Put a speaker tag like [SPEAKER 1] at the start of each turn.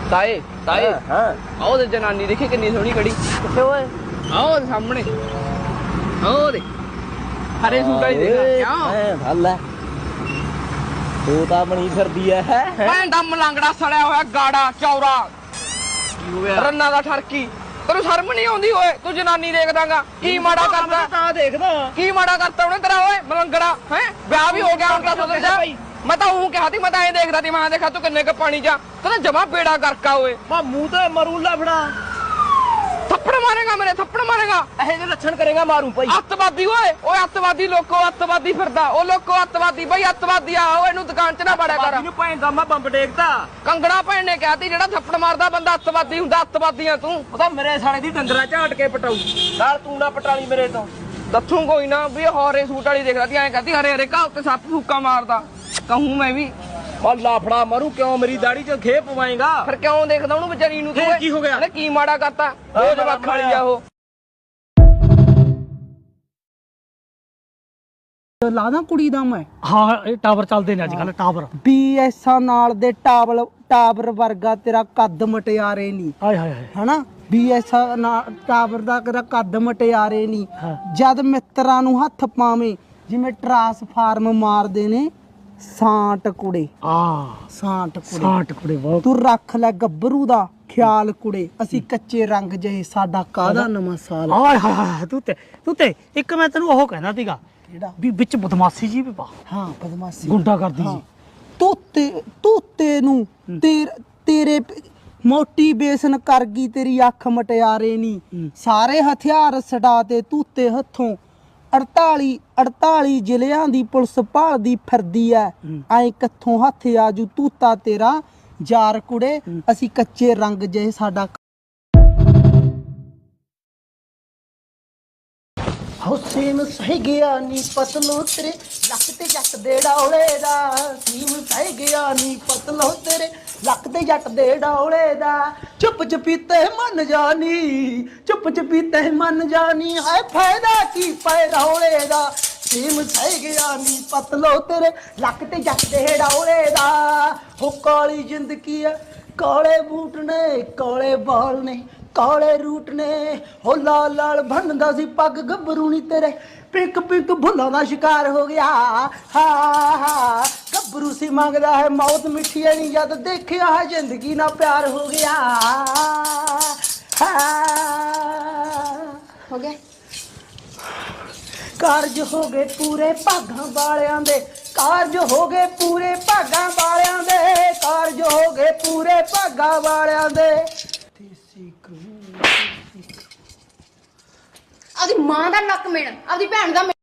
[SPEAKER 1] ताए ताए
[SPEAKER 2] हाँ
[SPEAKER 1] आओ ते जनानी देखी कितनी सोहनी खड़ी
[SPEAKER 2] किथे ओए
[SPEAKER 1] आओ ते सामने आओ दे हरे सूट वाली देख क्यों
[SPEAKER 2] भल है तू तो बनी फिरदी है
[SPEAKER 1] भैन दा मलंगड़ा सड़िया होया गाड़ा चौरा रन्ना दा ठरकी तेरू शर्म नहीं आउंदी ओए तू जनानी देखदागा की माड़ा करदा
[SPEAKER 2] कहां देखदा
[SPEAKER 1] की माड़ा करता ਉਹਨੇ तेरा ओए मलंगड़ा हैं ब्याह भी हो गया उनका सोच जा मैं तो हूं कहा थी मैं तो ऐ देखदा थी मैं देखा तू किन्ने क पानी जा तेरा जमा बेड़ा करका ओए
[SPEAKER 2] मैं मुंह ते मरू लफड़ा
[SPEAKER 1] थप्पड़ मारेगा मेरे थप्पड़ मारेगा
[SPEAKER 2] ऐसे जे लक्षण करेगा मारू भाई
[SPEAKER 1] अत्तवादी ओए अत्तवादी लोको अत्तवादी फिरदा ओ लोको अत्तवादी भाई अत्तवादी आ ओए ਇਹਨੂੰ ਦੁਕਾਨ 'ਚ ਨਾ ਬੜਿਆ ਕਰ
[SPEAKER 2] ਇਹਨੂੰ ਭੈਣ ਦਾ ਮੈਂ ਬੰਬ ਡੇਕਦਾ
[SPEAKER 1] ਕੰਗੜਾ ਭੈਣ ਨੇ ਕਹਿਤੀ ਜਿਹੜਾ ਥੱਪੜ ਮਾਰਦਾ ਬੰਦਾ ਅੱਤਵਾਦੀ ਹੁੰਦਾ ਅੱਤਵਾਦੀ ਆ ਤੂੰ
[SPEAKER 2] ਉਹ ਤਾਂ ਮੇਰੇ ਸਾਲੇ ਦੀ ਡੰਗਰਾ ਝਾਟ ਕੇ ਪਟਾਉ ਨਾਲ ਤੂੰ ਨਾ ਪਟਾਲੀ ਮੇਰੇ ਤੋਂ
[SPEAKER 1] ਦੱਸੂ ਕੋਈ ਨਾ ਵੀ ਹਰੇ ਸੂਟ ਵਾਲੀ ਦੇਖ ਰਹੀ ਐਂ ਕਹਤੀ ਹਰੇ ਹਰੇ ਘਾਹ ਉੱਤੇ ਸੱਪ ਫੂਕਾ ਮਾਰਦਾ ਕਹੂੰ ਮੈਂ ਵੀ
[SPEAKER 2] ਉਹ ਲਾਫੜਾ ਮਾਰੂ ਕਿਉਂ ਮੇਰੀ ਦਾੜੀ 'ਚ ਖੇ ਪਵਾਏਗਾ
[SPEAKER 1] ਫਿਰ ਕਿਉਂ ਦੇਖਦਾ ਉਹਨੂੰ ਵਿਚਾਰੀ ਨੂੰ ਤੂੰ
[SPEAKER 2] ਫੇਰ ਕੀ ਹੋ ਗਿਆ?
[SPEAKER 1] ਇਹਨੇ ਕੀ ਮਾੜਾ ਕਰਤਾ ਉਹ ਜਵਾਕ ਵਾਲੀ ਆ ਉਹ
[SPEAKER 3] ਲਾਦਾ ਕੁੜੀ ਦਾ ਮੈਂ
[SPEAKER 4] ਹਾਂ ਇਹ ਟਾਵਰ ਚੱਲਦੇ ਨੇ ਅੱਜ ਕੱਲ ਟਾਵਰ
[SPEAKER 3] ਬੀਐਸਆ ਨਾਲ ਦੇ ਟਾਵਰ ਵਰਗਾ ਤੇਰਾ ਕੱਦ ਮਟਿਆਰੇ ਨਹੀਂ
[SPEAKER 4] ਹਾਏ ਹਾਏ ਹਾਏ
[SPEAKER 3] ਹਨਾ ਬੀਐਸਆ ਨਾਲ ਟਾਵਰ ਦਾ ਤੇਰਾ ਕੱਦ ਮਟਿਆਰੇ ਨਹੀਂ
[SPEAKER 4] ਹਾਂ।
[SPEAKER 3] ਜਦ ਮਿੱਤਰਾਂ ਨੂੰ ਹੱਥ ਪਾਵੇਂ ਜਿਵੇਂ ਟਰਾਂਸਫਾਰਮ ਮਾਰਦੇ ਨੇ ਸਾਂਟ ਕੁੜੇ ਸਾਂਟ ਕੁੜੇ
[SPEAKER 4] ਬਹੁਤ
[SPEAKER 3] ਤੂੰ ਰੱਖ ਲੈ ਗੱਭਰੂ ਦਾ ਖਿਆਲ ਕੁੜੇ ਅਸੀਂ ਕੱਚੇ ਰੰਗ ਜਿਹੇ ਸਾਡਾ ਕਾਹਦਾ ਨਵਾਂ ਸਾਲ
[SPEAKER 4] ਹਾਏ ਹਾਏ ਹਾਏ ਤੂੰ ਤੇ ਇੱਕ ਮੈਂ ਤੈਨੂੰ ਉਹ ਕਹਿੰਦਾ ਸੀਗਾ
[SPEAKER 3] ਕਿਹੜਾ
[SPEAKER 4] ਵੀ ਵਿੱਚ ਬਦਮਾਸ਼ੀ ਜੀ ਵੀ ਪਾ
[SPEAKER 3] ਹਾਂ ਬਦਮਾਸ਼ੀ
[SPEAKER 4] ਗੁੰਡਾ ਕਰਦੀ
[SPEAKER 3] ਹਾਂ।
[SPEAKER 4] ਜੀ
[SPEAKER 3] ਤੋਤੇ ਨੂੰ ਤੇਰੇ ਮੋਟੀਵੇਸ਼ਨ ਕਰ ਗਈ ਤੇਰੀ ਅੱਖ ਮਟਿਆਰੇ ਨਹੀਂ ਸਾਰੇ ਹਥਿਆਰ ਛਡਾ ਤੇ ਤੂਤੇ ਹੱਥੋਂ 48 ਜ਼ਿਲ੍ਹਿਆਂ ਦੀ ਪੁਲਿਸ ਭਾਲਦੀ ਫਿਰਦੀ ਐ ਐ ਕਿੱਥੋਂ ਹੱਥ ਆਜੂ ਤੂਤਾ ਤੇਰਾ ਯਾਰ ਕੁੜੇ ਅਸੀਂ ਕੱਚੇ ਰੰਗ ਜਿਹੇ ਸਾਡਾ ਹੁਸੈਨ ਸਹਿ ਗਿਆ ਨੀ ਪਤਲੋ ਤੇਰੇ ਲੱਕ ਤੇ ਜੱਟ ਦੇ ਡੌਲੇ ਦਾ ਸੀਮ ਸਹਿ ਗਿਆ ਨੀ ਪਤਲੋ ਤੇਰੇ ਲੱਕ ਤੇ ਜੱਟ ਦੇ ਡੌਲੇ ਦਾ ਚੁੱਪ ਚਪੀਤੇ ਮੰਨ ਜਾਨੀ ਚੁੱਪ ਚਪੀਤੇ ਮੰਨ ਜਾਨੀ ਹਾਏ ਫਾਇਦਾ ਕੀ ਪੈ ਰੌਲੇ ਦਾ ਸੀਮ ਸਹਿ ਗਿਆ ਨੀ ਪਤਲੋ ਤੇਰੇ ਲੱਕ ਤੇ ਜੱਟ ਦੇ ਡੌਲੇ ਦਾ ਹੋ ਕਾਲੀ ਜ਼ਿੰਦਗੀ ਆ ਕਾਲੇ ਬੂਟ ਨੇ ਕਾਲੇ ਬਾਲ ਨੇ ਕਾਲੇ ਰੂਟ ਨੇ ਹੋ ਲਾਲ ਲਾਲ ਭੰਨਦਾ ਸੀ ਪੱਗ ਗੱਭਰੂ ਨੀ ਤੇਰੇ ਪਿੰਕ ਪਿੰਕ ਭੁੱਲਾਂ ਦਾ ਸ਼ਿਕਾਰ ਹੋ ਗਿਆ ਹਾ ਗੱਭਰੂ ਸੀ ਮੰਗਦਾ ਹੈ ਮੌਤ ਮਿੱਠੀ ਨਹੀਂ ਜਦ ਦੇਖਿਆ ਹੈ ਜ਼ਿੰਦਗੀ ਨਾਲ ਪਿਆਰ ਹੋ ਗਿਆ
[SPEAKER 5] ਹੋ ਗਿਆ
[SPEAKER 3] ਕਾਰਜ ਹੋ ਗਏ ਪੂਰੇ ਭਾਗਾਂ ਵਾਲਿਆਂ ਦੇ ਕਾਰਜ ਹੋ ਗਏ ਪੂਰੇ ਭਾਗਾਂ ਵਾਲਿਆਂ ਦੇ ਕਾਰਜ ਹੋ ਗਏ ਪੂਰੇ ਭਾਗਾਂ ਵਾਲਿਆਂ ਦੇ
[SPEAKER 5] ਆਪਦੀ ਮਾਂ ਦਾ ਨੱਕ ਮੇੜ ਆਪਦੀ ਭੈਣ ਦਾ